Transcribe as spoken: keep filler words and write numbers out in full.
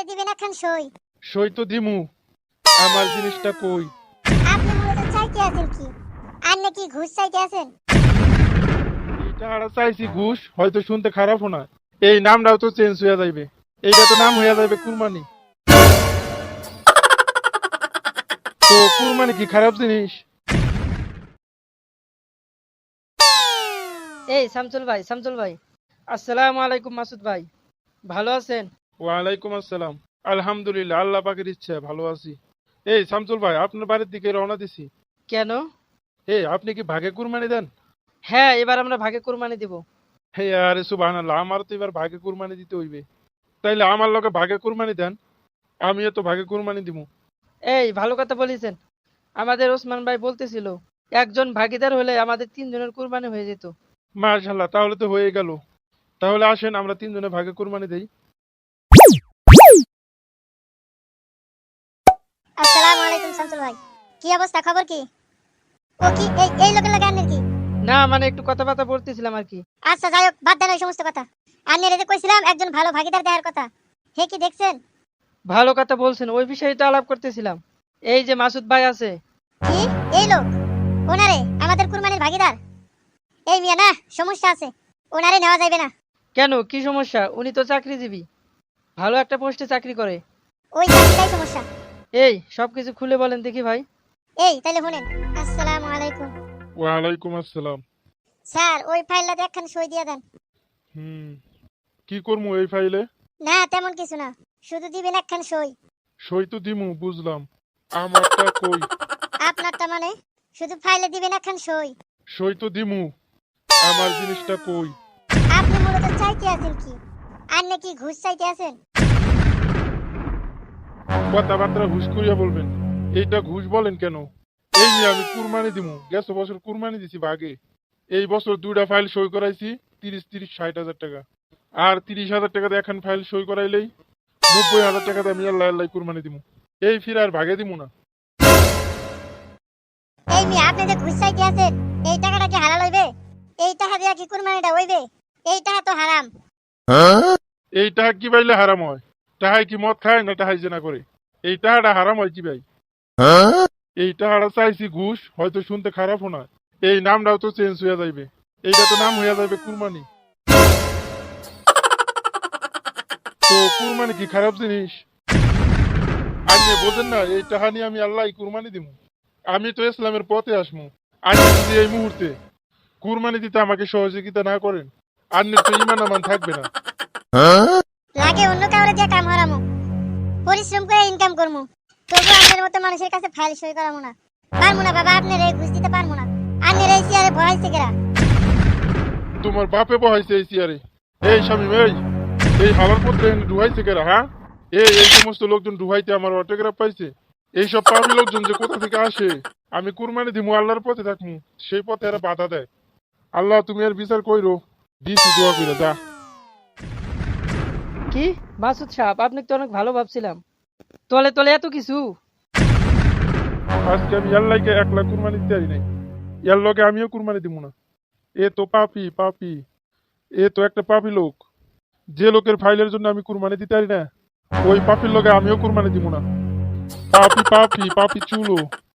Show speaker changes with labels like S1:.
S1: ফাইলে দিবেন একখান সই।
S2: সই তো দিমু, আমার জিনিসটা কই?
S1: আপনি মূলত চাইতে আছেন কি? আর নাকি ঘুষ চাইতে আছেন?
S2: এইটা আর চাইছি ঘুষ, হয়তো শুনতে খারাপও না। এই নামটাও তো চেঞ্জ হয়ে যাইবে। এইটা তো নাম হয়ে যাবে কুরবানি। তো কুরবানি কি খারাপ জিনিস?
S3: এই শামসুল ভাই, শামসুল ভাই, আসসালামু আলাইকুম। মাসুদ ভাই, ভালো আছেন?
S2: ওয়ালাইকুম আসসালাম। আলহামদুলিল্লাহ, আল্লাহ পাকের ইচ্ছা ভালো আছি। এই শামসুল ভাই, আপনার বাড়ির দিকে রওনা দিছি।
S3: কেন?
S2: এই আপনি কি ভাগে কুরবানি দেন?
S3: হ্যাঁ, এবার আমরা ভাগে কুরবানি দিব।
S2: হে আরে সুবহানাল্লাহ, আমার তো এবার ভাগে কুরবানি দিতে হইবে। তাইলে আমার লগে ভাগে কুরবানি দেন, আমিও তো ভাগে কুরবানি দিব।
S3: এই ভালো কথা বলেছেন। আমাদের ওসমান ভাই বলতেছিল একজন ভাগিদার হলে আমাদের তিনজনের কুরবানি হয়ে যেত।
S2: মাশাআল্লাহ, তাহলে তো হয়ে গেল। তাহলে আসেন আমরা তিনজনে ভাগে কুরবানি দেই।
S1: আসসালামু আলাইকুম শামসুল ভাই। কি অবস্থা, খবর কি? ও কি এই এই লোকের লাগে আন্নের কি?
S3: না মানে একটু কথাবার্তা বলতেছিলাম আর কি।
S1: আচ্ছা যাই হোক, বাদ দেন ওই সমস্ত কথা। আন্নের যে কইছিলাম একজন ভালো ভাগিদার দেওয়ার কথা, হে কি দেখছেন?
S3: ভালো কথা বলছেন, ওই বিষয়টা আলাপ করতেছিলাম। এই যে মাসুদ ভাই আছে।
S1: কি এই লোক? ওনারে আমাদের কুরবানির ভাগিদার? এই মিয়া না, সমস্যা আছে, ওনারে নেওয়া যাবে না।
S3: কেন, কি সমস্যা? উনি তো চাকরিজীবী, ভালো একটা পোস্টে চাকরি করে।
S1: ওই চাকরিটাই সমস্যা।
S3: এই সবকিছু খুলে বলেন দেখি ভাই।
S1: এই তাইলে শুনেন। আসসালামু আলাইকুম
S2: ওয়ালাইকুম আসসালাম।
S1: স্যার, ওই ফাইলটাতে একখান সই দিয়ে দেন।
S2: হুম, কি করবো এই ফাইলে?
S1: না তেমন কিছু না, শুধু দিবেন একখান সই।
S2: সই তো দিমু, বুঝলাম। আমারটা কই?
S1: আপনারটা মানে? শুধু ফাইলে দিবেন একখান সই।
S2: সই তো দিমু, আমার জিনিসটা কই?
S1: আপনি মূলত চাইতে আছেন কি? আর নাকি ঘুষ চাইতে আছেন?
S2: কথাবার্তা ঘুষ করিয়া বলবেন। এইটা ঘুষ বলেন কেন? এই নিয়ে আমি কুরবানি দিমু, গেছ বছর কুরবানি দিছি ভাগে। এই বছর দুইটা ফাইল সই করাইছি, তিরিশ তিরিশ ষাট হাজার টাকা। আর তিরিশ হাজার টাকাতে এখন ফাইল সই করাইলেই নব্বই হাজার টাকাতে আমি আল্লাহ আল্লাহ কুরবানি দিমু। এই ফির আর ভাগে দিমু না।
S1: এই মিয়া, আপনি যে ঘুষ চাইতে আছেন, এই টাকাটা কি হালাল হইবে? এই টাকা দিয়া কি কুরবানিটা হইবে? এই টাকা তো হারাম।
S2: এই টাকা কি পাইলে হারাম হয়? টাহাই কি মদ খায় না টাহাই জেনা করে? এই টাকাটা হারাম হয় কি ভাই? এই টাকাটা চাইছি ঘুষ, হয়তো শুনতে খারাপও না। এই নামটাও তো চেঞ্জ হয়ে যাইবে। এইটা তো নাম হয়ে যাবে কুরবানি। তো কুরবানি কি খারাপ জিনিস? আপনি বোঝেন না, এই টাকা নিয়ে আমি আল্লাহ কুরবানি দিব। আমি তো ইসলামের পথে আসমু। আপনি যদি এই মুহূর্তে কুরবানি দিতে আমাকে সহযোগিতা না করেন, আপনি তো ইমান আমান থাকবে না।
S1: লাগে অন্য কাউরে দিয়ে কাম হারামু, পরিশ্রম করে ইনকাম করমু, তবু আপনার মতো মানুষের কাছে ফাইল সই করামু না। পারমু না বাবা, আপনার এই ঘুষ দিতে পারমু না। আপনার এই চেয়ারে বহাইছে কেরা?
S2: তোমার বাপে বহাইছে এই চেয়ারে? এই শামিম, এই এই হালার পত্রে ডুহাইছে কেরা? হ্যাঁ, এই এই সমস্ত লোকজন ডুহাইতে আমার অটোগ্রাফ পাইছে। এইসব পাপি লোকজন যে কোথা থেকে আসে? আমি কুরবানি দিমু, আল্লাহর পথে থাকমু, সেই পথে এরা বাধা দেয়। আল্লাহ তুমি এর বিচার কইরো। দিছি দোয়া কইরা যা।
S3: কি মাসুদ সাহেব, আপনি তো অনেক ভালো ভাবছিলাম, তলে তলে এত কিছু।
S2: আজকে আমি আল্লাহকে একলা কুরবানি দিতে পারি নাই, এর লগে আমিও কুরবানি দিব না। এ তো পাপি পাপি, এ তো একটা পাপি লোক। যে লোকের ফাইলের জন্য আমি কুরবানি দিতে পারি না, ওই পাপির লগে আমিও কুরবানি দিব না। পাপি পাপি পাপি চুলো।